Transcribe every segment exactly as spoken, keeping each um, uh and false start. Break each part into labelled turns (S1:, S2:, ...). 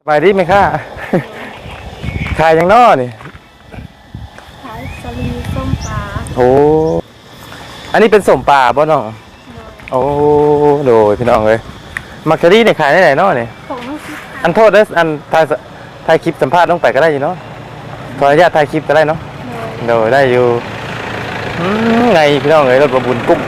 S1: สบายดีไหมค่ะขายยังนอนี่
S2: ขายสลีส้มปลา
S1: โอ้อันนี้เป็นสมป่าบ่น้องโอ้โดยพี่น้องเลยมักกะรี่เนี่ยขายได้ไหนนอนี่
S2: ของน้องซิ
S1: อันโทษเด้ออันถ่ายถ่ายคลิปสัมภาษณ์ลงไปก็ได้อยู่เนาะขออนุญาตถ่ายคลิปก็ได้เนาะโดยได้อยู่ไงพี่น้องเลยรถประบุญกุ้ง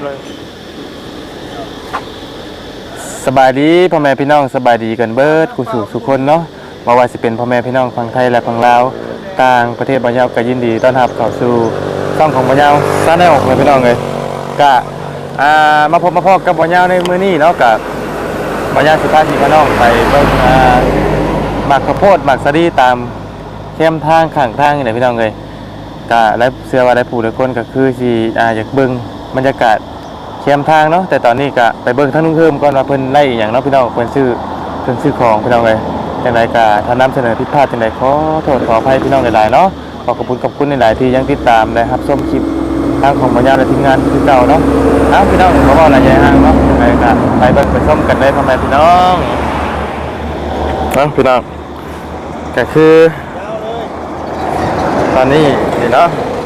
S1: สบายดีพ่อแม่พี่น้องสบายดีกันเบิดกูสู่สุคนเนาะมาว่าสิเป็นพ่อแม่พี่น้องฝั่งไทยและฝั่งลาวต่างประเทศบ่ยาวก็ยินดีต้อนรับเข้าสู่ช่องของบ่ยาวซาแนลเลยพี่น้องเลยก็อ่ามาพบมาพบกับบ่ยาวในมื้อนี้เนาะกับบ่ยาวสิพาพี่น้องไปเบิ่งอ่าหมากข้าวโพดหมากสะดีตามเข้มทางข้างทางนี่แหละพี่น้องเลยก็และเชื่อว่าได้ผู้หลายคนก็คือสิอ่าอยากเบิ่งบรรยากาศเข้มทางเนาะแต่ตอนนี้ก็ไปเบิ่งทางนุ่งเพิ่มก่อนว่าเพิ่นไล่อย่างเนาะพี่น้องเพิ่นซื้อเพิ่นซื้อของพี่น้องเลยจังไดก็ถ้านำเสนอผิดพลาดจังไดขอโทษขออภัยพี่น้องหลายๆเนาะขอขอบคุณขอบคุณหลายๆที่ยังติดตามนะครับชมคลิปทางของบรรยาและทีมงานคือเก่าเนาะเอ้าพี่น้องขอบอกอะไรใหญ่ห้างเนาะไปก็ไปเบิ่งไปชมกันเลยพ่อแม่พี่น้องเนาะพี่น้องก็คือตอนนี้นี่เนาะ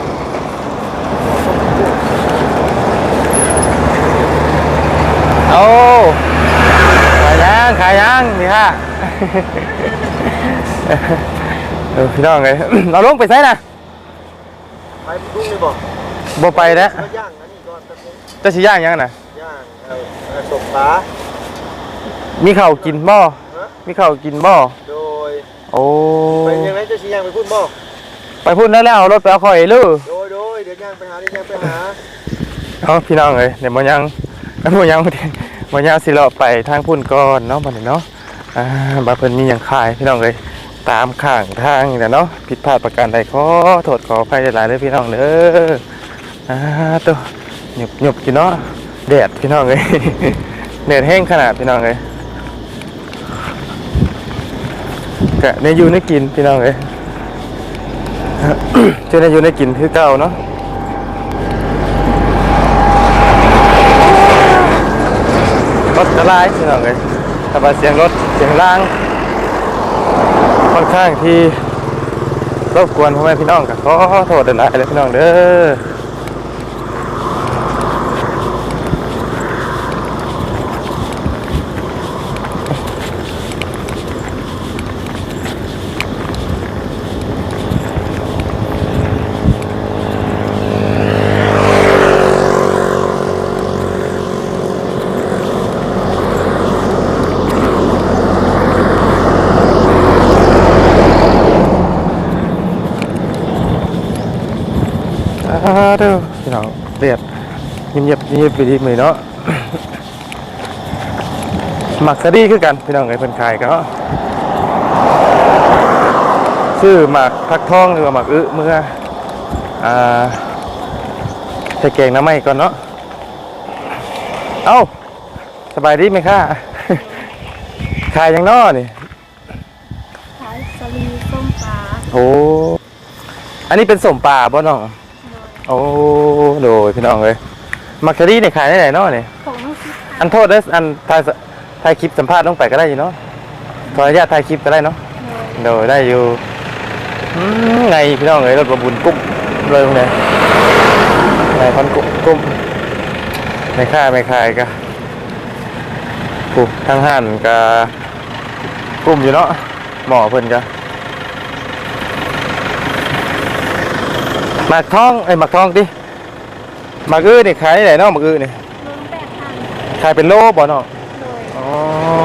S1: โอ้ขายยังขายยังนี่ฮะเออพี่น้องเลยเราลงไปไสนะ
S3: ไปดุ้งเลยบอก
S1: บ่ไปแล้ว
S3: ย่างอันนี้ก่อนแป๊บนึง
S1: จะสิย่างยังน่ะ
S3: ย่างเออสมปลา
S1: มีข้าวกินบ่มีข้าวกินบ่
S3: โดย
S1: โอ้
S3: ไปยังไงจะสิย่างไปพูดบ่
S1: ไปพูดแล้วแล้วเอารถไปเอาข่อยลื้อ
S3: โดยโดยเดี๋ยวย่างไปหาเดี๋ยวย่างไปหา
S1: เอาพี่น้องเลยเดี๋ยวบ่ยังบ่ยังบ่ยังสิเลาะไปทางพุ่นก่อนเนาะบัดนี้เนาะอ่าบ่เพิ่นมีหยังขายพี่น้องเลยตามข้างทางนี่แหละเนาะผิดพลาดประการใดขอโทษขออภัยหลายๆเลยพี่น้องเด้ออ่าตัวหยุบหยุบกินเนาะแดดพี่น้องเลยแดดแห้งขนาดพี่น้องเลยกะในอยู่ในกินพี่น้องเลยเจ้าในอยู่ในกินคือเก่าเนาะรถกระไรพี่น้องเลยถ้าว่าเสียงรถเสียงล่างค่อนข้างที่รบกวนพ่อแม่พี่น้องก็ขอโทษหลายๆเลยพี่น้องเด้อเด้อพี่น้องเรียบเงียบๆเงียบไปดีมือเนาะหมักสะดีคือกันพี่น้องไอ้เพิ่นขายกันเนาะชื่อหมักพักทองหรือว่าหมักอึเมื่ออ่าใส่แกงน้ำไหม้ก่อนเนาะเอ้าสบายดีไหมค่ะขายยังนอนี่
S2: ขายสลีส้มปลา
S1: โอ้อันนี้เป็นสมป่าบ่น้องโอ้โดยพี่น้องเลยมักกะรี่เนี่ยขายได้ไหนเนาะเนี่ย
S2: ของน้องซิ
S1: อันโทษเด้ออันถ่ายถ่ายคลิปสัมภาษณ์ลงไปก็ได้อยู่เนาะขออนุญาตถ่ายคลิปก็ได้เนาะโดยได้อยู่ไงพี่น้องเลยรถประบุญกุ้มเลยพวกนี้ไงพันกุ้มกุ้มไม่ค่าไม่ขายก็กูทางห้านก็กุ้มอยู่เนาะหมอเพิ่นก็หมักทองไอ้หมักทองดิหมักอื้อนี่ขายได้ไหนเนาะหมักอื้อนี่ขายเป็นโลบ่เนาะอ๋อ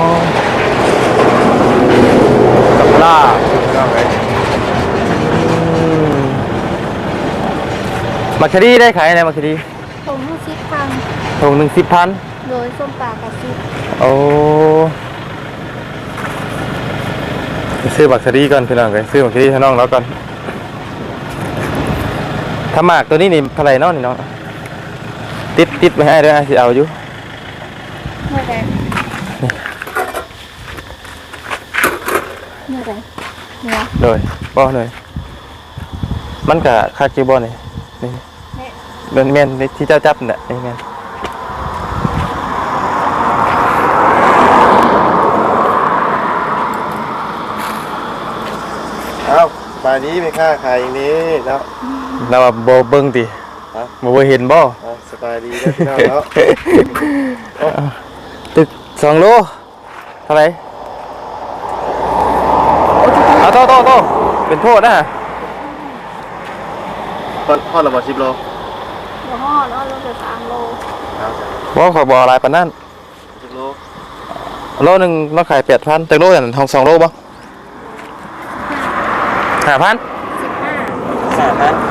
S1: ตำล่าเอาไงหมักคดีได้ขายไหนหมักคดี
S2: ถุงหนึ่งสิบพัน
S1: ถุงหนึ่งสิบพัน
S2: โดยส้มปลากระซิบ
S1: โอ้ซื้อหมักคดีก่อนพี่น้องเลยซื้อหมักคดีให้น้องแล้วก่อนถ้าหมากตัวนี้นี่เท่าไรเนาะนี่น้องติดติดไปให้ด้วยสิเอาอยู่
S2: เมื่อไรเมื่อไรเนี่ย
S1: โดยบ่เลยมันกับคาคิวบอนี่นี่เป็นเมียนที่เจ้าจับเนี่ยนี่เมียน
S3: เอ้าสบายดีไหมค่าขายอย่างนี้แล้ว
S1: เราว่าบ่เบิ่งติบ่บ่เห็นบ่
S3: อ่ะสบายดีนะพี่น้องแล้ว
S1: ตึกสองโลเท่าไหร่เอาโตโตโตเป็นโทษนะ
S3: พอพอระบาดสิบโล
S2: เดี๋ยวห่อแล้วเราจะสามโล
S1: บ่ขอยบ่หลายปานนั้น
S3: สิบโล
S1: โลหนึงเราขายแปดพันแต่โลนั่นทองสองโลบ่ห้าพัน
S2: สิบห้า
S1: ห้าพัน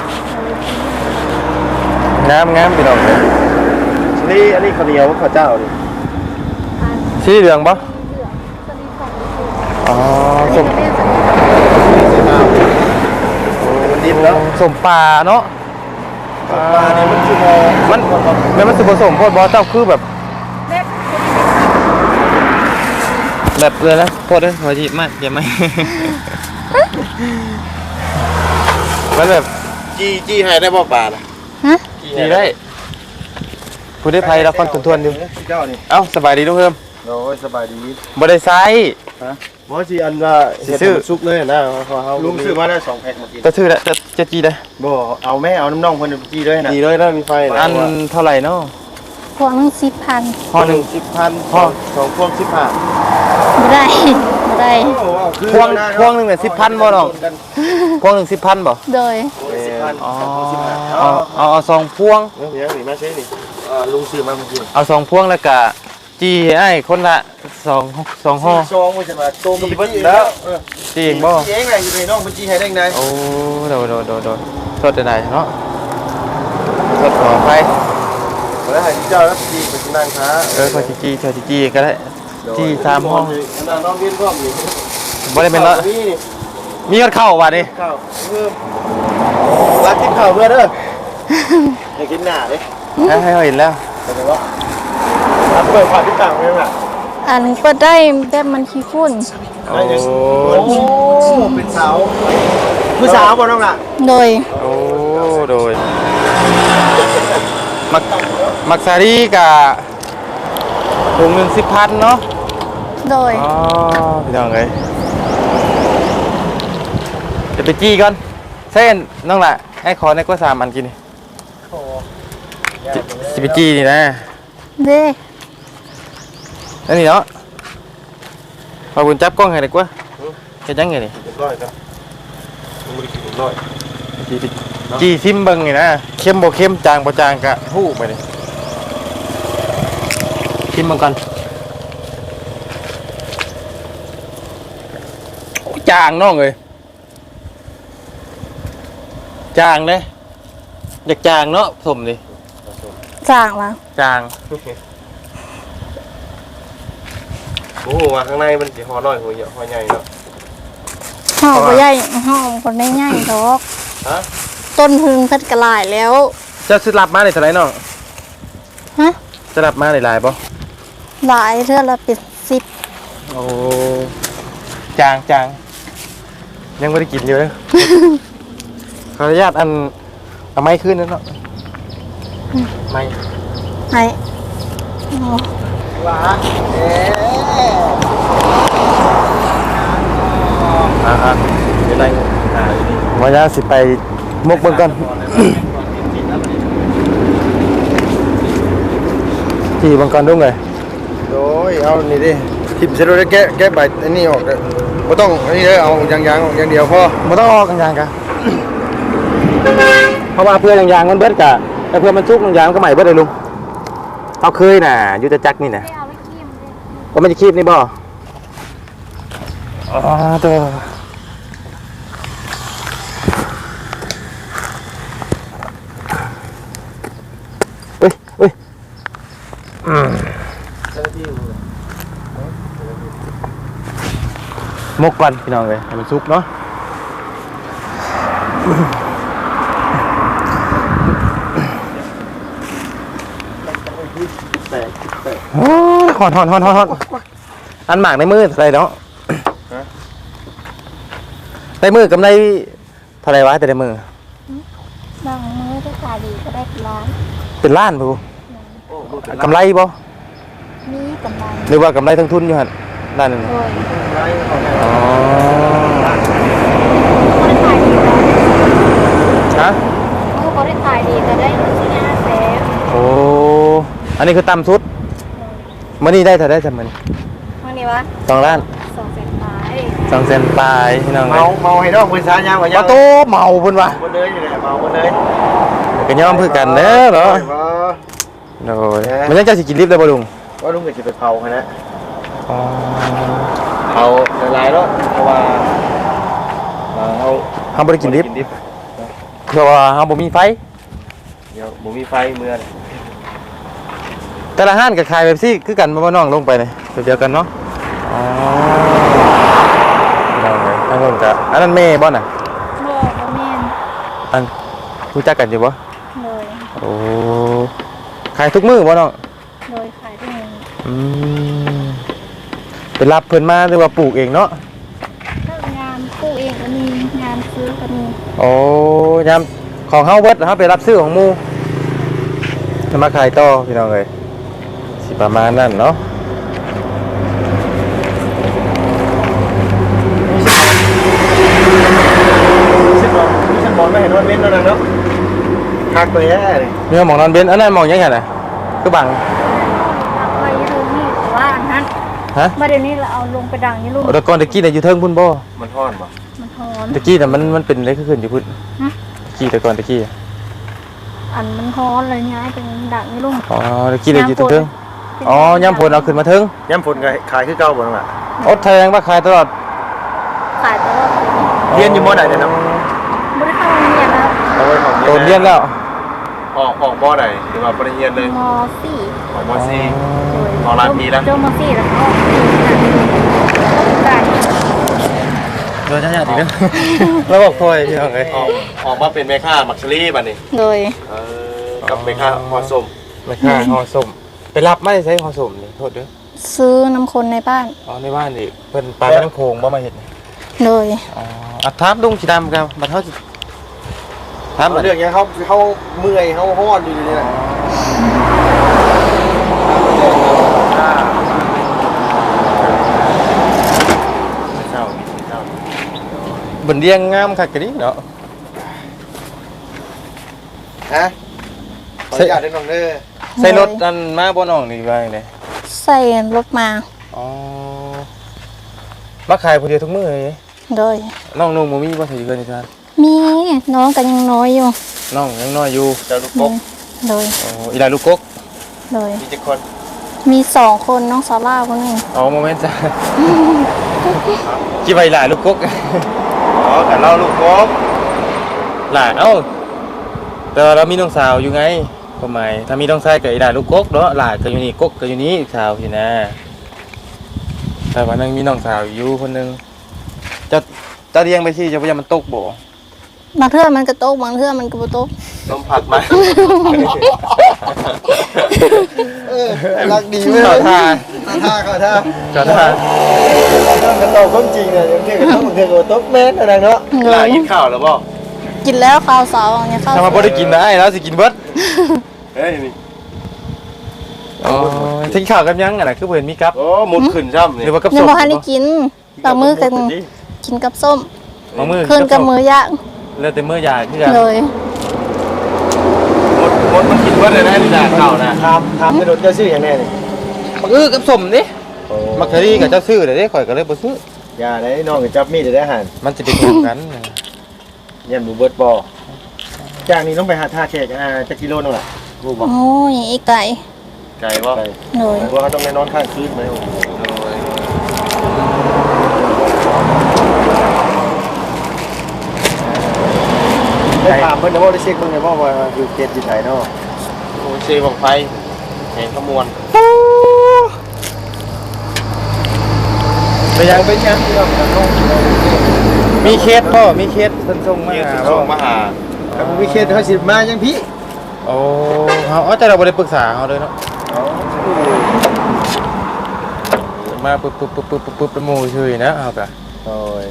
S1: งามงามพี่น้องเอ้ย
S3: นี่อันนี้ข้าวเหนียวข้าวเจ้านี่
S2: พัน
S1: สีเหลืองบ่
S2: เหลืองสลิดของเหลือง
S1: อ๋อ
S2: อัน
S1: ส้
S2: นี้
S1: ม
S2: ก็เป็นสลิด
S3: ใส่ข้าวโอ้มันดิบแล้ว
S1: ส้มปลาเนาะ
S3: ปลานี่มันชั่วโมง
S1: มันแม่นมันสิผสมโพดบ่เจ้าคือแบบ
S2: เล็บ
S1: แบบเลยนะโทษด้วยหัวจีบมากอย่าไม่ มันแบบ
S3: จี้จี้ให้ได้บ่ปลาน่ะ
S2: ฮะ
S1: จีได้ผู้ได้ภัยรับฟังทวนๆอยู่
S3: เจ้านี่
S1: เอ้าสบายดีทุกเพิ่ม
S3: โอ้ยสบายดี
S1: บ่ได้ไซส์
S3: บ่สิอันว่า
S1: สิซื้อ
S3: ซุกเลยนะเพราะเฮาลุงซื้อมาได้สองแพ็คเมื่อกี้
S1: จะซื้อแล้วจะจะจีได้
S3: บ่เอาแม่เอาน้ำน่องเพิ่นจี้ด้วยนะจี้ด้วยนะมีไฟ
S1: อันเท่าไหร่เนาะ
S2: พวงนึงสิบพัน
S1: พอหนึ่ง
S3: สิบพันพอสองพวงสิบห้า
S2: ไม่ได้ไม่ได้
S1: พวงพวงหนึ่งเนี่ยสิบพันบ่น้องพวงหนึ่งสิบพันบ่
S2: โดย
S3: สิบพัน
S1: อ๋อ
S3: สิบห้า
S1: เอาเอาเอาสองพวง
S3: เดี๋ยวนี่มาใช้นี่อ่าลุงซื้อมาเมื่อกี้
S1: เอาสองพวงแล้วก็จีให้อ้ายคนละสองสองห่อ
S3: ซองมันจะมาโตมันไปแล้วเออ
S1: จีเองบ่
S3: จี้เองไงอยู่ในน้องมันจี้ให้ได้ไง
S1: โอ้โดดโดดโดดโดดโทษได้เนาะโทษขออภัย
S3: แล้วให้เจ้าแล้วจี้ไปนั่งค้า
S1: เออขอจีจีขอจีจีก็ได้จีสามห้อง
S3: นั่งน้องเวียนพร้อมนี่
S1: บ่ได้เป็นเนาะ
S3: นี่นี่
S1: มีกันเข้าว่ะนี่
S3: ข้าวเพิ่มรักกินข้าวเพื่อเด้ออยากกินหน้าเด้
S1: ให้ให้เขาเห็นแล้ว
S3: เข้าใจบ่รับเปิดฝาที่ต่างไว้มั้ย
S2: อันเปิดได้แบบมันขี้ฝุ่น
S1: โอ้
S3: โอ้เป็นสาวผู้สาวบ่น้องล่ะ
S2: โดย
S1: โอ้โดยมักมักซารีกับถุงหนึ่งสิบพันเนาะ
S2: โดย
S1: อ๋อพี่น้องเลยจะไปจี้ก่อนเส้นน้องล่ะให้ขอในก็สามอันกินนี่จะจะไปจี้นี่นะ
S2: เด้
S1: นั่นนี่เนาะมาบุญจับกล้องให้ดีกว่าจะยังไงนี่
S3: เรียบร้อยครับมึงบ่ได้กินเรียบร้อย
S1: จี้ไปจี้ซิมเบิงนี่นะเข้มบ่เข้มจางบ่จางกะฮู้ไปนี่ชิมเบิงก่อนโอ้จางน้องเอ้ยจางเลยอยากจางเนาะสมดิ
S2: จ่างมา
S1: จาง
S3: โอ้โหว่าข้างในมันสิห่อน้อยหัวใหญ่ห่อใหญ่เนาะ
S2: ห่อก็ใหญ่ห่อคนได้ง่ายดอก
S3: ฮะ
S2: ต้นพึงเพัดกระลายแล้ว
S1: เจ้าสิรับมาได้เท่าไหร่น้อง
S2: ฮะ
S1: จะรับมาได้หลายบ่
S2: หลายเทื่อละเป็นสิบ
S1: โอ้จางจางยังไม่ได้กินอยู่เลย ขออนุญาตอันเอาไม้ขึ้นนั่นเนาะไม้
S2: ไหนอ๋อ
S3: ว่าเอ๊ะ
S1: อ่าอ่าเดี๋ยวไรวันนี้สิไปมกเบิ่งก่อน ที่เบิ่งก่อนดุ้งเลย
S3: โอ้ยเอานี่ดิทิ่มเสร็จแล้วแกะแกะใบอันนี้ออกเด้อบ่ต้องอันนี้เด้อเอายางๆออกอย่างเดียวพอ
S1: มันต้องออกยางๆกัน เพราะว่าเพื่อนยางๆมันเบิดกะแต่เพื่อนมันชุกยางๆมันก็ใหม่เบิดเลยลุงเขาเคยน่ะยุทธจักรนี่น่ะ
S2: เอาไว้ขี้มันเลย
S1: ว่ามันจะคีบนี่บ่อ๋อตัวเฮ้ยเฮ้ยอืมมกก่อนพี่น้องเลยให้มันสุกเนาะโอ้ยหอนหอนหอนหอนหอนอันหมากในมือเท่าไหรเนาะในมือกำไรเท่าไหรวะแต่ในมือบ
S2: างมื้อถ้าขายดีก็ได้เป็นล้าน
S1: เป็นล้านปูกำไรบ่
S2: มีกำไร
S1: หรือว่ากำไรทั้งทุนอยู่หันด้านหนึง
S2: โดย
S1: อ๋ออันนี้คือต่ำสุดมื้อนี้ได้เท่าได้จำมื้อนี้
S2: วันนี้วะ
S1: สองล้าน
S2: สองแสนปลาย
S1: สองแสนปลายพี่น้อง
S3: เมาเมาให้น้องเพิ่นซายามกว่า
S1: ป
S3: ยา
S1: ระตูเมาเพิ่นว่ะ
S3: บ่เลยอยู่แหละเมาบ่เลย
S1: ก็ยอมคือกันเด้อเหรอโอ้ยมันยังจะสิกินลิฟต์ได้บ่ลุง
S3: ว่าลุงก็สิไปเผาคั่นนะ
S1: อ๋อ
S3: เผาหลายๆเนาะเพราะว่าเอ่อเฮา
S1: เฮาบ่ได้กินลิฟต์
S3: ลิฟต์
S1: เพราะว่าเฮาบ่มีไฟ
S3: เดี๋ยวบ่มีไฟเมื่อนี่
S1: แต่ละห้านก็ขายแบบซี่คือกันบ่น้องลงไปนี่แบบเดียวกันเนาะอ๋อน้องเอ้ยทั้งคนก็อันนั้นแม่บ่น่ะ
S2: โลกบ่แม่น
S1: อันรู้จักกันอยู่บ่
S2: เลย
S1: โอ้ขายทุกมื้อบ่น้อง
S2: โดยขายที่นี่
S1: อืมไปรับเพิ่นมาหรือว่าปลูกเองเนาะ
S2: ก็งานปลูกเองก็มีงานซื้อก็มี
S1: โอ้ยามของเฮาเบิดเฮาไปรับซื้อของหมู่จะมาขายต่อพี่น้องเอ้ยสิประมาณนั้นเนาะ
S3: สิบบ่สิบบ่ไม่เห็นว่าเว้นแล้วนะเนาะคักไปแย่เลย
S1: มีหมองนอนเบนอันนั้นหมองยังไงน่ะคือบัง
S2: เอาไว้ตรงนี้แต่ว่าอันนั้น
S1: ฮะ
S2: มาเดี๋ยวนี้เราเอาลงไปดังนี่ลูก
S1: โอ้แต่ก่อนตะกี้น่ะอยู่เทิงพุ่นบ่
S3: มันฮ้อนบ่
S2: มันหอน
S1: ตะกี้น่ะมันมันเป็นอะไรขึ้นอยู่พุ่น
S2: ฮะ
S1: ตะกี้แต่ก่อนตะกี้
S2: อันมันฮอนเลยย้ายเป็นดังนี่ลูก
S1: อ๋อตะกี้น่ะอยู่เทิงอ๋อยามฝนเอาขึ้นมาเทิง
S3: ยามฝนก็ขายคือเก่าบ่นั่นล่ะ
S1: อดแทงว่าขายตลอด
S2: ขายตลอดปี
S3: เรียนอยู่มอใดเนี่ยเนาะ
S2: ไม่ได้เข้าโรงเรียนแล้ว
S3: เอาไว้ของ
S1: โดนเรียนแล้ว
S3: ออกออกมอใดหรือว่าบ่ได้เรียนเลย
S2: มสี่
S3: ออกมอสี่
S2: โดย
S3: ออกหลายปีแล้ว
S2: จบมสี่แล้วก็ออกปีนั้น
S1: โดนญาติอีกแล้วแล้วบอกพ่อยพี่น้องเอ้ย
S3: ออกออกมาเป็นแม่ค้ามักซรี่บัดนี้
S2: โดย
S3: เออกับแม่ค้าฮอส้ม
S1: ไม่ค่าห่อส้มไปรับไม่ได้ใช้ห่อส้มนี่โทษเด้อ
S2: ซื้อน้ำคนในบ้าน
S1: อ๋อในบ้านนี่เพิ่นปลาน้ำโขงบ่มาเฮ็ดนี่
S2: โดย
S1: อ๋ออัดทับลุงสีดำครับบัดเฮาสิทับ
S3: เอา
S1: บัด
S3: เรื่องเนี้ยเขาเขาเมื่อยเขาฮ้อนอยู่นี่แหละเศร้าเศร้า
S1: บนเรียงงามคักกะดิเนาะ
S3: ฮะขออนุญาตได้น้องเด้อ
S1: ใส่รถอันมาบ่น้องนี่ว่าจังได๋
S2: ใส่รถมา
S1: อ๋อมาขายผู้เดียวทุกมื้อเลย
S2: โดย
S1: น้องนุ่งบ่มีบ่ถือเกินนี่ครับ
S2: มีน้องกันยังน้อยอยู่
S1: น้องยังน้อยอยู่
S3: เจ้าลูกกบ
S2: โดย
S1: อ๋ออีหลาลูกกก
S2: โดย
S3: มีเจ็ดคน
S2: มีสองคนน้องซาร่าคนหนึ่ง
S1: อ๋อโมเมนต์จ้ะกี่ใบหลาลูกกก
S3: อ๋อกับเราลูกกบ
S1: หลาเอ้าแต่ว่าเรามีน้องสาวอยู่ไงก็หมายถ้ามีน้องชายก็อีหลาลูกกกเนาะหลาก็อยู่นี่กกก็อยู่นี่สาวสินะแต่ว่านึงมีน้องสาวอยู่คนหนึงจะจะเลี้ยงไปสิจะบ่ยามมันตกบ่
S2: บางเทื่อมันกระโตกบางเทื่อมันกระโตก
S3: ต้มผักมาเออรักดีเว้ย
S1: ขอทาน
S3: ท่าเขาท่า
S1: ขอทาน
S3: ต้องกระโตกความจริงเนี่ยยังเทียบกับต้องเทียบกับโต๊ะแม่นอะไรเนาะ
S2: เล
S3: หลาย กินข้าวแล้วบ่
S2: กินแล้วข้าวเสาร์เนี่ยข้าว
S1: ถ้ามาบ่ได้กินได้แล้วสิกินเบิด
S3: เฮ้ยนี่
S1: อ๋อทิ้งข้าวกันยังอ่ะนะคือบ่เห็นมีกับ
S3: โอ้หมุดขึ้นซ้ำนี่
S1: หรือว่ากับ
S2: ยั
S1: ส้
S2: ง
S1: ม
S2: บ่ทันได้กินบางมื้อกันกินกับส้ม
S1: บางมื้อ
S2: คืนกับมื้อย่าง
S1: แล้วแต่มื้อยาคือกัน
S2: เลย
S3: หมดหมดมันกินว่าเลยนะนี่นะข้าวนะทำทำจะโดนเจ้าชื่ออย่างแน่นี่
S1: มักอื้อกับส้มนี่มักคารีกับเจ้าซื้อเด้ข่อยก็เลยบ่ซื้อ
S3: อย่าได้น้องกับจับมีดได้หัน
S1: มันสิเป็นอย่างกัน
S3: ยันบูเบิร์ตบอจากนี้ต้องไปหาท่าแขกอ่าจะกิโลนึงแหละบูบอก
S2: โอ้ยอีไก่
S3: ไกลว่า
S2: เลย
S3: ว่าเขาต้องไปนอนข้างคืนไหมได้ถามเพิ่นนะว่าได้เช็คเพิ่นไงว่าว่าอยู่เขตอยู่ไหนเนาะ
S1: โอ้เซบังไฟแห่งขมวน
S3: ไปยังเป็นยังที่เราจะต้อง
S1: มีเคสพ่อมีเคสเพิ่นส่งมา
S3: เกี่ยว
S1: หา
S3: กับส่งมาหาถ้ามีเขตเขาสิมายังพี่
S1: โอ้เฮาเอาแต่เราบ่ได้ปรึกษาเฮาเลยเนาะมาปึ๊บปึ๊บปึ๊บปึ๊บปึ๊บเป็นหมู่ซื่อๆนะเฮาก็
S3: โอ้ย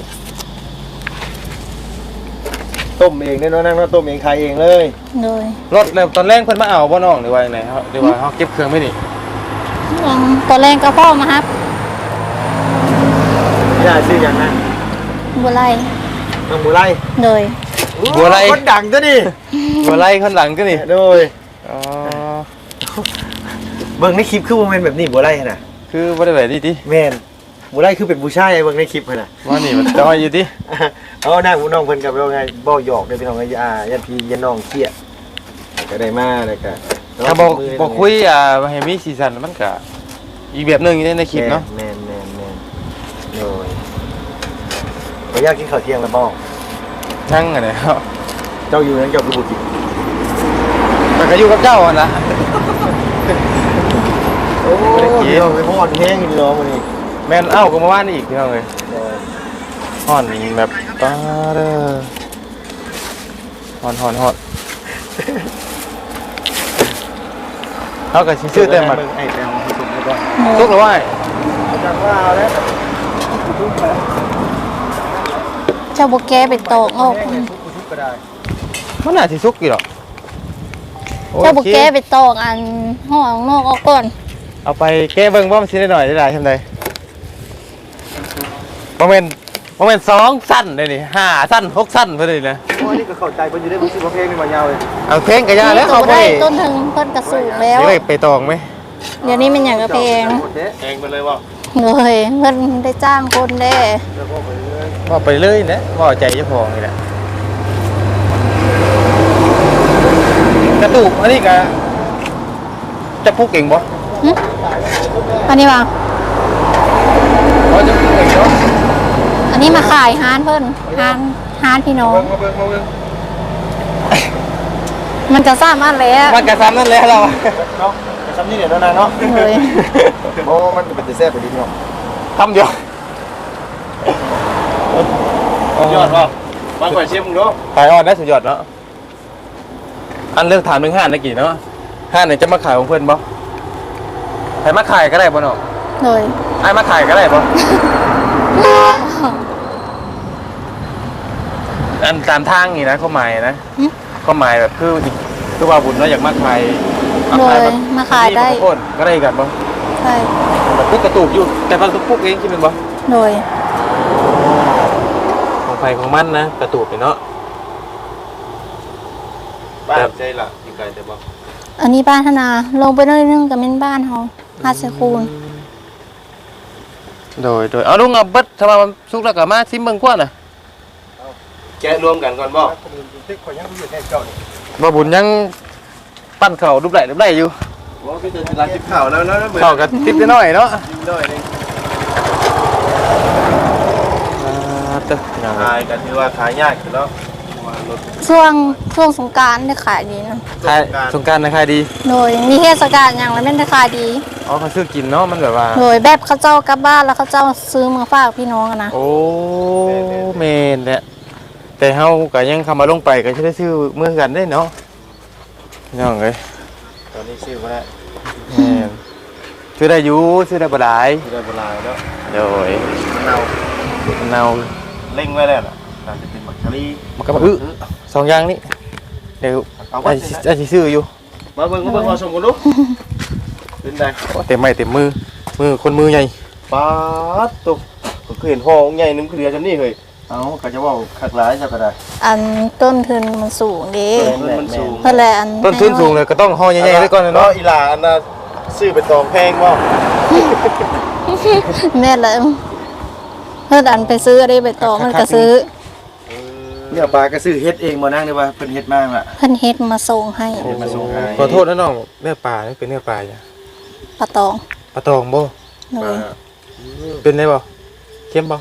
S3: ต้มเองเนี่ยเนาะนั่งเนาะต้มเองขายเองเลย
S2: เลย
S1: รถแล้วตอนแรกเพิ่นมาเอาบ่น้องหรือว่าจังไดเฮาหรือว่าเฮาเก็บเครื่องไว้นี่
S2: อืมตอนแรกก็พ่อมาครับ
S3: ไม่ได้ชื่ออย่างนั้น
S2: บัวไล่
S3: น้องบัวไล่
S2: เลย
S1: บัวไล่
S3: คนดังซะดิ
S1: บัวไล่ข้างหลังก็นี่
S3: โดย
S1: อ๋อ
S3: เบิ่งในคลิปคือบ่แม่นแบบนี้บ่ได้น่ะ
S1: คือบ่ได้แบบนี้ติ
S3: แม่นบ่ได้คือเป็นผู้ชายเบิ่งในคลิปหั่นน่ะ
S1: ว่านี่มันจอยอยู่ติ
S3: เอาหน้าผู้น้องเพิ่นกับเราไงบ่หยอกเด้อพี่น้องไอ้อ่ายันพี่ยันน้องเครียดก็ได้มาแล้วก็
S1: ถ้าบ่บ่คุยอ่าให้มีสีสันมันก็อีกแบบหนึงอยู่ในคลิปเนาะ
S3: แม่นแม่นแม่นโอ้ยบ่อยากกินข้าวเที่ยงแล้วบ่
S1: ทั้งอันนี้ครับ
S3: เจ้าอยู่นั้นเจ้าคือบ่กิน
S1: มันก็อยู่กับเจ้าหั่นล่ะ
S3: โอ้ยพี่น้องไปพอดแห้งอยู่พี่น้องมื้อนี้
S1: แม่นเอ้าก็มาว่านอีกพี่น้องเอ้ยฮ้อนแบบตาเด้อฮ้อนฮ้อนฮ้อนเฮาก็สิซื้อแต่หมัก
S3: ไอ้แต้มที่สุดแล้วก็
S1: สุกแล้วว่า
S3: จังว่าเอาแล้ว
S2: เจ้าบ่แก้ไปตอกออก
S3: ทุกก็ได้
S1: มันน่าสิสุกอยู่หรอกโอ
S2: เจ้าบ่
S1: เค
S2: แก้ไปตอกอันห้องนอกออกก่อน
S1: เอาไปแก้เบิ่งว่ามันสิได้หน่อยได้หลายทำไดบ่แม่นบ่แม่นสองสั้นเด้นี่ห้าสั้นหกสั้นเพิ่นนี่นะ
S3: โอ้ยนี่ก็เข้าใจเพิ่นอยู่ได้บ่สิบ่เพลงนี่มายาวเลย
S1: เอาเพลงก็ยาแล้ว
S2: นี่
S1: เขา
S2: ก็
S1: บ่
S2: ได้
S1: ได้
S2: ต้นถึงเพิ่นกระสูงแล้ว
S1: สิได้ไปตองไหม
S2: เดี๋ยวนี้มันหยังกระเพง
S3: เองไปเลยว่า
S2: เลยเพิ่นได้จ้างคนเด้
S3: แล้วก็ไปเรื่อย
S1: ว่าไปเลยนะว่าใจเจ้าของนี่แหละกระตุกอันนี้ก็จะพุกเก่งบ่
S2: หึอันนี้ว่า
S1: ว่าจะพุกเก่งเนาะ
S2: อันนี้มาขายฮานเพิ่นฮานฮานพี่น้อง
S3: มาเบิ่งมาเบิ่ง
S2: มันจะสามารถแล้ว
S1: มันกระซ้ำนั่นแหละเรา
S3: เนาะทำนี่เนี่ยนานๆเนาะ
S2: เลย
S3: โอ้มันเป็นแต่แซ่บไปดิเนาะ
S1: ทำเดียว
S3: ยอดป่ะบางกว่าเชฟมึงเนาะ
S1: ขายออนได้สุดยอดเนาะอันเลือกถามหนึ่งห้านได้กี่เนาะห้านไหนจะมาขายของเพื่อนบ่ใครมาขายก็ได้บ่เนาะ
S2: เลย
S1: ไอ้มาขายก็ได้บ่อันตามทางนี่นะข้อหมายนะข้อหมายแบบคือคือว่าบุญเนาะอยากมาขาย
S2: เลยมาขายได้
S1: โคตรก็ได้กันบ่
S2: ใช่
S1: แบบปุ๊กกระตูกอยู่แต่บางปุ๊กเองคิดเป็นบ่
S2: เลย
S1: ของไฟของมันนะกระตูกเนาะ
S3: บ้านใจละอยู่ไกลแต่บ่
S2: อันนี้บ้านธนาลงไปหน่อยนึงก็เป็นบ้านเฮาห้าสิบคูณ
S1: โดยโดยเอาลุงเอาเบิดถ้าว่ามันสุกแล้วก็มาซิมเบิ่งกว่าน่ะ
S3: แกะรวมกันก่อนบ่ที่ข่อยยังอยู่ในเจ้านี่
S1: บ่บุญยังปั้นข้าวรูปไหลรูปไหลอยู่
S3: บ่คือจะร้านกินข้าวแล้วแล้ว
S1: ข้าวก็ติดน้อยเนาะ
S3: น้อยนึง
S1: อ่าตึก
S3: ขายกันถือว่าขายยากแล้วรถ
S2: ช่วงช่วงสงกรานต์ได้ขายดีนะ
S1: ขายสงกรานต์นะขายดี
S2: โดยมีเทศกาลอย่างแล้วไม่ได้ขายดี
S1: อ๋อเขาซื้อกินเนาะมันแบบว่า
S2: โดยแบบเขาเจ้ากลับบ้านแล้วเขาเจ้าซื้อมาฝากพี่น้องอะนะ
S1: โอ้แม่นแหละแต่เฮาก็ยังเข้ามาลงไปก็สิได้ซื้อเมื่อกันได้เนาะน้องเอ้ย
S3: ตอนนี้ซื้อบ่ได้
S1: แม่นซื้อได้อยู่ซื้อได้บ่หลาย
S3: ซื้อได้บ่หลายแล้ว
S1: โดย
S3: มะนาว
S1: มะนาว
S3: เล็งไว้แล้วน่ะน่าจะเป็นบักชะลี
S1: มันก็มาอื้อสองอย่างนี้เดี๋ยว
S3: เอา
S1: ไอ้
S3: ไว้
S1: สิไอ้สิซื้ออยู่
S3: มาเบิ่งมาเบิ่งเอาชมกันดูเป็นไง
S1: โอ้เต็มไม้เต็มมือมือคนมือใหญ่
S3: ป๊าดตุ๊กก็คือเห็นห้องใหญ่นึงคือเดียวจำนี่เฮ้ยเอาก็จะว่าคักหลายซะก็ได้
S2: อันต้นทุนมันสูงเด้
S3: มันสูง
S2: เพื่อแหละอัน
S1: ต้นทุนสูงเลยก็ต้องห่อใหญ่ๆไว้ก่อนเนาะ
S3: อีหลาอันน่ะซื้อไปตองแพงบ่
S2: แม่เลยเพื่ออันไปซื้ออะไรไปต่อมันก็ซื้อ
S3: เนี่ยปลาก็ซื้อเฮ็ดเองบ่นั่งได้ว่าเพิ่นเฮ็ดมาล่ะ
S2: เพิ่นเฮ็ดมาส่งให้
S3: เฮ็ดมาส่งให้
S1: ขอโทษนะน้องเนื้อปลานี่เป็นเนื้อปลาจ้ะ
S2: ปลาตอง
S1: ปลาตองบ่
S2: เลย
S1: เป็นได้บ่เค็มบ่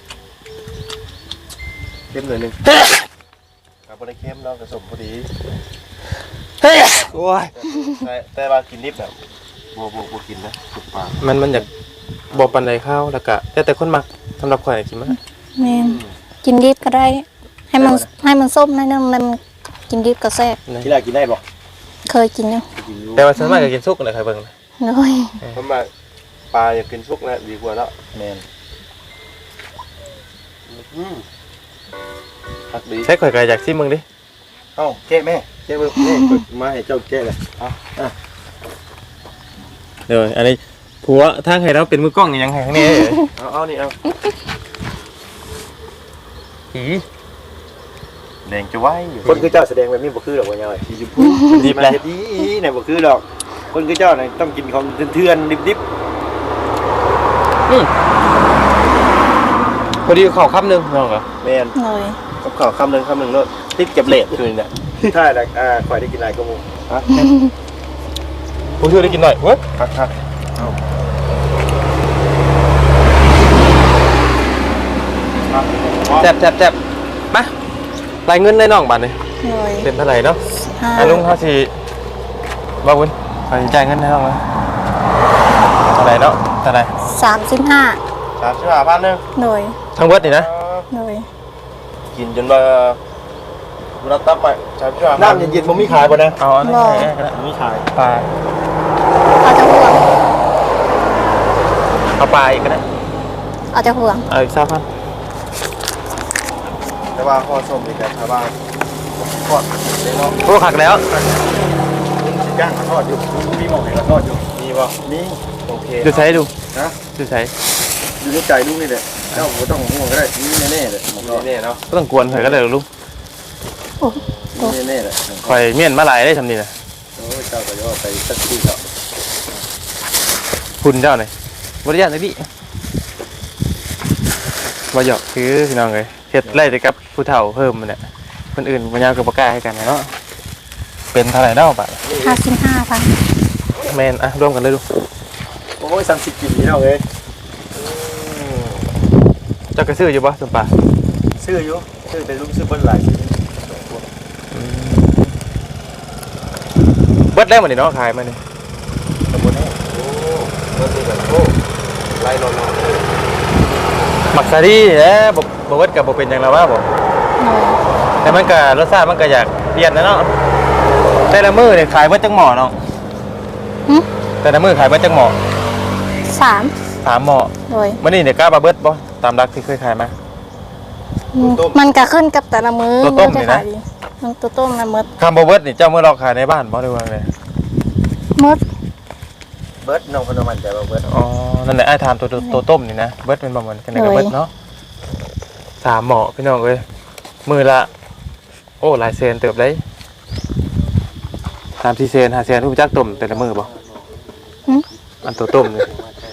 S3: เค็มหน่อยนึงก็บ่ได้เค็มเนาะก็สมพอดี
S1: เฮ้ยโอ้ย
S3: แต่แต่ว่ากินดิบน่ะบ่บ่บ่กินนะทุกปลา
S1: มันมันอยากบ่ปานใดข้าวแล้วก็แต่แต่คนมักสำหรับข่อยกินมัน
S2: แม่นกินดิบก็ได้ ให้มันให้มันส้มหน่อยนึงมันกินดิบก็แซ่บ
S3: ที่ลากินได้บ่
S2: เคยกินอยู่
S3: กินอยู่
S1: แต่ว่าส่วนมากก็กินสุกนั่นแหละครับเบิ่งนะ
S2: เลย
S3: เพราะว่าปลาอยากกินสุกนะดีกว่าเนาะแม่นอืมผักดี
S1: ใช้ข่อยก็อยากซิมมึงดิ
S3: เอ้าแกะแม่แกะเบิ่งแม่กดมาให้เจ้าแกะเลยเอาอ่ะ
S1: เดี๋ยวอันนี้ผัวทางให้เราเป็นมือกล้องยังไงข้างนี้
S3: เอาเอานี่เอา
S1: อี
S3: แดงจะไว้คนคือเจ้าแสดงแบบนี้บ่คือดอกว่าย่อยสีชมพู
S1: ดิบเลย
S3: ดีไหนบ่คือดอกคนคือเจ้าเนี่ยต้องกินของเถื่อนๆดิบ
S1: อืมพอดีข้าวคำหนึงน้องเหรอ
S3: ๆแมน
S2: เลย
S3: กับข้าวคำหนึ่งคำหนึ่งแล้วติดเก็บเลทคือเนี่ยใช่แล้วอ่าข่อยได้กินอะไรก็มูฮะ
S1: ผู้ช่วยได้กินหน่อยเว้ย
S3: ครับครับเอา
S1: แซ่บแซ่บแซ่บมารายเงินได้น้องบาทเลย
S2: เลย
S1: เป็นเท่าไหร่เนาะ
S2: ห้า
S1: อ่ะลุงเขาสิบ่าวุ้นเขาสิจ่ายเงินให้น้องไหมเท่าไหร่เนาะเท่าไหร่
S2: สามสิบห้า
S3: สามสิบห้าพันหนึ่ง
S2: เลย
S1: ทั้งเบิดนี่นะ
S2: เลย
S3: กินจนว่าเราตับไปสามสิบห้าน้ำเย็นๆมันมีขายป่ะนะ
S1: เอาอันนี้ให้ก็ได้
S3: มีขาย
S1: ปลา
S2: เอาจะห่วง
S1: เอาปลาอีกก็ได้
S2: เอาจะห่วง
S1: เอาอีกสักพัน
S3: แต่ว่าข้อส้มนี่แต่ชาวบ้านทอดเลยเนาะ
S1: โอ้ขักแล้ว
S3: ย่างเขาทอดอยู่มีหม้อไหนเขาทอดอยู่มีป่ะมีโอเค
S1: ดูใช้ดู
S3: นะ
S1: ดูใช้
S3: อยู่ในใจลูกนี่แหละเจ้าไม่ต้องห่วงก็ได้มีแน่ๆเลยมีแน่ๆเนาะ
S1: ก็ต้องกวนเถอะก็ได้หรอกลุง
S2: โอ้
S3: มีแน่ๆเลย
S1: คอยเมียนมาหลายได้ทำนี่นะ
S3: โอ้ยเจ้าก็จะไปสักที่เถอะ
S1: คุณเจ้าหน่อยบริยาหน่อยพี่บ่หยอกคือพี่น้องเลยเฮ็ดไล่แต่กับผู้เฒ่าเพิ่มมันเนี่ยคนอื่นมันยาวกับปากกล้าให้กันนะเนาะเป็นเท่าไหร่เนาะบาท
S2: ห้าสิบห้าพัน
S1: แมนอ่ะร่วมกันเลยดู
S3: โอ้ยสามสิบกินนี่เนาะเอ้ย
S1: เจ้ากระซื้ออยู่ปะสมปา
S3: ซื้ออยู่ซื้อแต่ลูกซื้อเบิ้ลหลายชิ้น
S1: เบิดแล้วหมดนี่เนาะขายมานี่
S3: ตะบนนี้โอ้เบิ้ลนี่แบบโอ้ไล่นอน
S1: หมักซาดีแหละบ่บ่เบิดกับบ่เป็นหยังแล้วว่าบ่
S2: เลย
S1: แต่มันก็รสชาติมันก็อยากเปลี่ยนนะเนาะแต่ละมื้อนี่ขายเบิดจังหม้อเนาะ
S2: หึ
S1: แต่ละมื้อขายเบิดจังหม้อ
S2: สาม
S1: สามหม้อ
S2: เลย
S1: มื้อนี้เนี่ยกล้าบ่เบิดบ่ตามรักที่เคยขายมา
S2: มันก็ขึ้นกับแต่ละมือ
S1: ตัวต้มนี่นะ
S2: มันตัวต้มนะมด
S1: คำบ่เบิดนี่เจ้ามื้อเราขายในบ้านบ่ได้ว่าไง
S2: มด
S3: เบิ้ลน้องคนมันใจว่าเบิ้ล
S1: อ๋อนั่นแหละไอ้ถามตัวตัวตัวต้มนี่นะเบิดเป็นประมาณจังได๋ก็เบิดเนาะสามหม้อพี่น้องเอ้ยมื้อละโอ้หลายแสนเติบเลยสามสี่แสนห้าแสนรู้จักต้มแต่ละมื้อบ่
S2: หึ
S1: อันตัวต้มนี่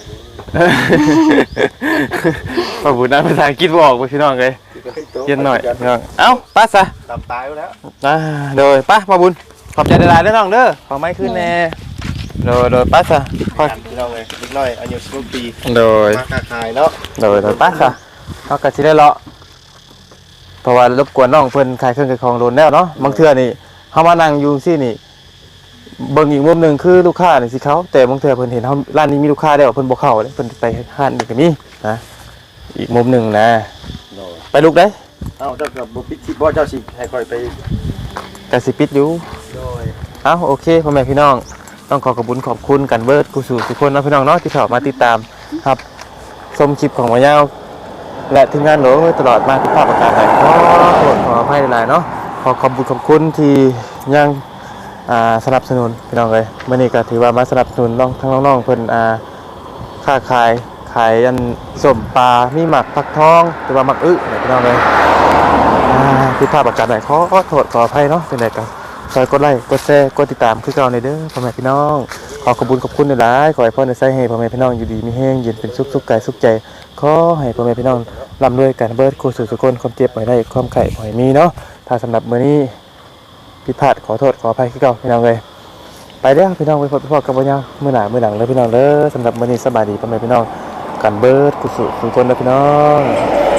S1: ป้าบุญนะภาษาอังกฤษบ่ออกไปพี่น้องเลยเย็นหน่อยพี่น้องเอ้าป้าซะ
S3: ตามตายแล้ว
S1: อ่าโดยป้าป้าบุญขอบใจหลายๆเด้อน้องเด้อขอไม้ขึ้นแน่โดยโดยป้าซะค่อย
S3: พี่น้องเลยนิดหน่อยอายุสิบปี
S1: โดย
S3: มาค้าขายเนาะ
S1: โดยโดยป้าซะเขาก็สิได้เลาะเพราะว่ารบกวนน้องเพิ่นขายเครื่องขายของโดนแล้วเนาะบางเทื่อนี่เฮามานั่งอยู่ซี่นี่เบิ่งอีกมุมหนึงคือลูกค้านี่สิเขาแต่บางเทื่อเพิ่นเห็นเฮาร้านนี้มีลูกค้าแล้วเพิ่นบ่เข้าเลยเพิ่นไปร้านอื่นก็มีนะอีกมุมหนึงนะ ไปลูกได้
S3: เอ้าเจ้ากับบุปิชิบ่เจ้าสิให้คอยไป
S1: กสิปิดอยู่
S3: โดย
S1: เอ้าโอเคพ่อแม่พี่น้องต้องขอขอบคุณขอบคุณกันเบิร์ดกูสู่ทุกคนนะพี่น้องเนาะที่เข้ามาติดตามครับชมคลิปของมายาวและทีมงานโหลตลอดมาทุกภาพประการใดขอโทษขออภัยหลายๆเนาะขอขอบคุณขอบคุณที่ยังอ่าสนับสนุนพี่น้องเลยเมื่อนี้ก็ถือว่ามาสนับสนุนน้องทั้งน้องๆเพิ่นอ่าค้าขายขายอันส้มปลามีหมักผักทองหรือว่าหมักอึเนี่ยพี่น้องเลย อ่าผิดพลาดประการใดขอโทษขออภัยเนาะเป็นไรกันซอยกดไลค์กดแชร์กดติดตามคือเก่าในเด้อพ่อแม่พี่น้องขอขอบคุณขอบคุณหลายๆขอให้พ่อในใจให้พ่อแม่พี่น้องอยู่ดีมีแห้งเย็นเป็นสุขสุขกายสุขใจขอให้พ่อแม่พี่น้องร่ำรวยกันเบิดคู่สู่สุขคนความเจ็บบ่ให้ได้ความไข่บ่ให้มีเนาะถ้าสำหรับมื้อนี้ผิดพลาดขอโทษขออภัยคือเก่าพี่น้องเลยไปเด้อพี่น้องไปพบพ่อกับบ่ยาวมื้อหน้ามื้อหลังเลยพี่น้องเด้อสำหรับมื้อนี้สบายดีพ่อแม่พี่น้องกันเบิดคู่สู่สุขคนเด้อพี่น้อง